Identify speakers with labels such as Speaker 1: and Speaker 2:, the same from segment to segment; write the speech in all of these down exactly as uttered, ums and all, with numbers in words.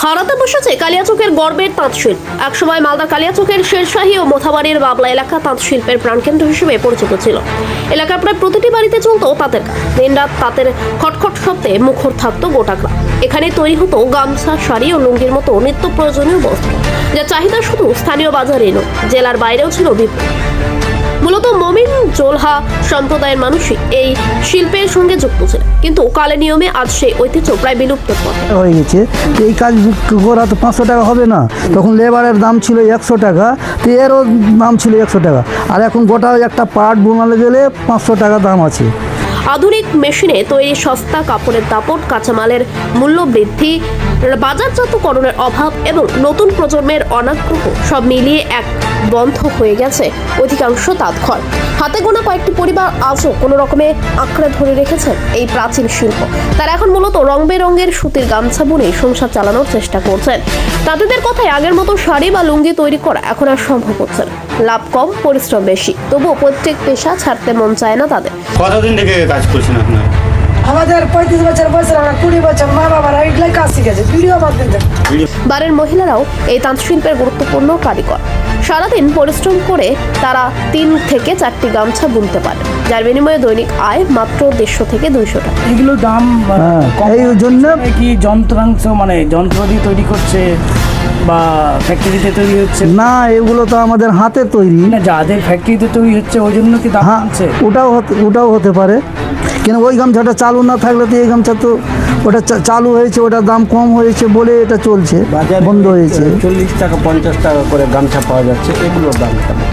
Speaker 1: হারাতে বসেছে কালিয়াচকের গর্বের তাঁত শিল্প। একসময় মালদা কালিয়াচকের শেরশাহী ও মোথাবাড়ির বাবলা এলাকা তাঁত শিল্পের প্রাণকেন্দ্র হিসেবে পরিচিত ছিল। এলাকার প্রায় প্রতিটি বাড়িতে চলত তাঁতের কাজ। দিনরাত তাঁতের খটখট শব্দে মুখর থাকতো গোটা গ্রাম। এখানে তৈরি হতো গামছা, শাড়ি ও লুঙ্গির মতো নিত্য প্রয়োজনীয় বস্ত্র, যা চাহিদা শুধু স্থানীয় বাজারে নয়, জেলার বাইরেও ছিল বিপুল। মূলত মমিন জোলহা সম্প্রদায়ের মানুষই এই শিল্পের সঙ্গে যুক্ত ছিল, কিন্তু কালে নিয়মে আজ সেই ঐতিহ্য প্রায় বিলুপ্ত
Speaker 2: হয়ে গেছে। এই কাজ করা তো পাঁচশো টাকা হবে না, তখন লেবারের দাম ছিল একশো টাকা, তো এরও দাম ছিল একশো টাকা, আর এখন গোটা একটা পাট বোনালে গেলে পাঁচশো টাকা দাম আছে।
Speaker 1: আধুনিক মেশিনে তৈরি সস্তা কাপড়ের দাপট, কাঁচামালের মূল্য বৃদ্ধি, বাজারজাতকরণের অভাব এবং নতুন প্রজন্মের অনাগ্রহ সব মিলিয়ে এক বন্ধ হয়ে গেছে অধিকাংশ তাঁতঘর। হাতে গোনা কয়েকটি পরিবার আজও কোনো রকমে আঁকড়ে ধরে রেখেছেন এই প্রাচীন শিল্প। তারা এখন মূলত রং বেরঙের সুতির গামছা বুনে সংসার চালানোর চেষ্টা করছেন। তাদের কথায় আগের মতো শাড়ি বা লুঙ্গি তৈরি করা এখন আর সম্ভব হচ্ছে না। লাভ কম, পরিশ্রম বেশি, তবুও প্রত্যেক পেশা ছাড়তে মন চায় না তাদের।
Speaker 3: কতদিন থেকে কাজ করছেন আপনারা?
Speaker 4: আমাদের পঁয়ত্রিশ বছর বয়স, আমরা কুড়ি বছর মা বাবারা এগুলাই কাজ শিখেছে। ভিডিও বানাতে
Speaker 1: বাড়ির মহিলারাও এই তাঁত শিল্পের গুরুত্বপূর্ণ কারিগর। সারাদিন পরিশ্রম করে তারা তিন থেকে চারটি গামছা বুনতে পারে, যার বিনিময়ে দৈনিক আয় মাত্র দেড়শো থেকে দুইশো টাকা।
Speaker 5: এগুলো দাম কম,
Speaker 2: এই জন্য
Speaker 5: কি যন্ত্রাংশ মানে যন্ত্র দিয়ে তৈরি করছে বা ফ্যাক্টরিতে তৈরি হচ্ছে?
Speaker 2: না, এগুলো তো আমাদের হাতে তৈরি
Speaker 5: না, যাদের ফ্যাক্টরিতে তৈরি হচ্ছে ওই জন্য কি দাম
Speaker 2: হ্যাঁ,
Speaker 5: আছে?
Speaker 2: ওটাও হতে- ওটাও হতে পারে, কেন ওই গামছাটা চালু না থাকলে তো এই গামছা তো ওটা চা- চালু হয়েছে, ওটার দাম কম হয়েছে বলে এটা চলছে, বন্ধ হয়েছে।
Speaker 6: চল্লিশ টাকা পঞ্চাশ টাকা করে গামছা পাওয়া যাচ্ছে, এগুলোর দাম কেমন?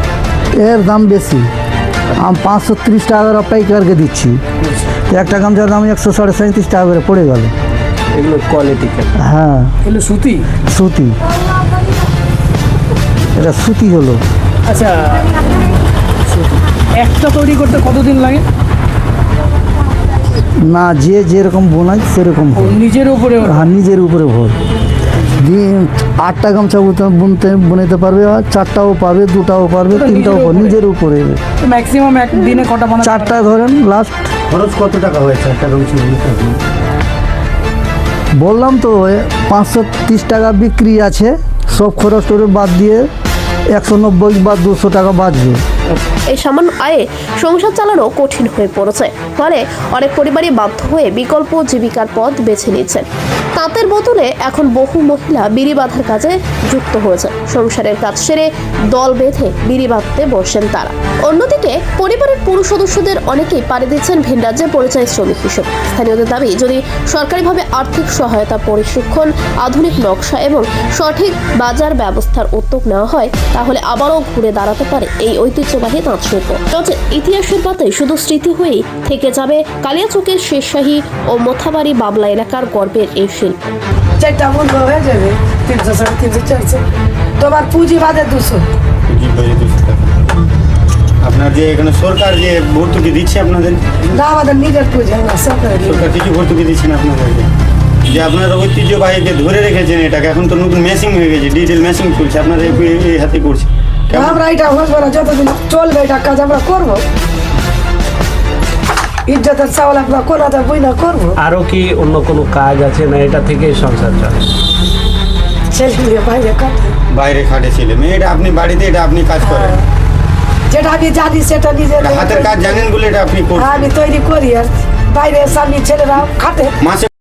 Speaker 2: এর দাম বেশি, আমি পাঁচশো ত্রিশ টাকা করে পাইকারকে দিচ্ছি, তো একটা গামছার দাম একশো সাড়ে সাঁত্রিশ টাকা করে পড়ে গেল।
Speaker 6: এগুলোর কোয়ালিটি কেমন?
Speaker 2: হ্যাঁ,
Speaker 5: এগুলো সুতি।
Speaker 2: সুতি, এটা সুতি হলো।
Speaker 5: আচ্ছা, সুতি একটা তৈরি করতে কতদিন লাগে?
Speaker 2: না, যে যেরকম বোনায় সেরকম
Speaker 5: ও
Speaker 2: ভোর।
Speaker 5: নিজের উপরে।
Speaker 2: হ্যাঁ, নিজের উপরে ভোর। দিন আটটা গামছা বুনতে- বুনতে বুনতে পারবে, আর চারটাও পারবে, দুটাও পারবে,
Speaker 5: ওটা
Speaker 2: তিনটাও
Speaker 5: নিজের
Speaker 2: পারবে,
Speaker 5: উপরে?
Speaker 2: নিজের উপরে।
Speaker 5: ম্যাক্সিমাম এক দিনে কটা বানাতে পারে?
Speaker 2: চারটা ধরেন লাস্ট।
Speaker 6: খরচ কত টাকা হয়েছে একটা গামছা বুনতে?
Speaker 2: বললাম তো পাঁচশো তিরিশ টাকা বিক্রি আছে, সব খরচ টরচ বাদ দিয়ে একশো নব্বই বা দুশো টাকা বাঁচবে।
Speaker 1: এই সামান্য আয়ে সংসার চালানো কঠিন হয়ে পড়েছে, ফলে অনেক পরিবারই বাধ্য হয়ে বিকল্প জীবিকার পথ বেছে নিচ্ছেন। তাঁতের বদলে এখন বহু মহিলা বিড়ি বাঁধার কাজে যুক্ত হয়েছে। সংসারের কাজ সেরে দল বেঁধে বিড়ি বাঁধতে বসেন তারা। অন্যদিকে পরিবারের পুরুষ সদস্যদের অনেকেই পাড়ি দিচ্ছেন ভিন রাজ্যে পরিযায়ী শ্রমিক হিসেবে। স্থানীয়দের দাবি, যদি সরকারিভাবে আর্থিক সহায়তা, প্রশিক্ষণ, আধুনিক নকশা এবং সঠিক বাজার ব্যবস্থার উদ্যোগ নেওয়া হয়, তাহলে আবারও ঘুরে দাঁড়াতে পারে এই ঐতিহ্যবাহী তাঁত শিল্প। তবে ইতিহাসের পাতায় শুধু স্মৃতি হয়েই থেকে যাবে কালিয়াচকের শেরশাহী ও মোথাবাড়ি বাবলা এলাকার গর্বের এই শিল্প।
Speaker 4: চারটা বন্ধ হয়ে যাবে, তিনশো সাড়ে তিনশো চারশো, তোমার পুঁজি বাদে দুশো।
Speaker 3: পুঁজি বাজে দুশো টাকা। আপনার যে এখানে সরকার যে ভর্তুকি দিচ্ছে আপনাদের,
Speaker 4: না, আমাদের নিজের পুঁজি, আমরা সরকারের নিজের।
Speaker 3: সরকার কিছু ভর্তুকি দিচ্ছেন আপনাদেরকে, যে আপনারা ঐতিহ্যবাহীকে ধরে রেখেছেন এটাকে। এখন তো নতুন মেশিন হয়ে গেছে, ডিজিটাল মেশিন চলছে, আপনারা এই- এই হাতে করছে। কেমন?
Speaker 4: আমরা এটা বুঝবো না, যতদিন চলবে এটা কাজ আমরা করবো। ইজ্জতের চাউল আমরা কোনাতে বই না করবো।
Speaker 6: আরও কি অন্য কোনো কাজ আছে না এটা থেকেই সংসার চলে?
Speaker 4: ছেলে মেয়ে বাইরে কাটে,
Speaker 3: বাইরে খাটে ছেলে মেয়ে, এটা আপনি বাড়িতে এটা আপনি কাজ করেন,
Speaker 4: যেটা আমি জানি সেটা নিজের
Speaker 3: হাতের কাজ জানেন বলে এটা আপনি করছেন।
Speaker 4: আমি তৈরি করি, আর বাইরে স্বামী ছেলেরা খাটে।
Speaker 3: মাসে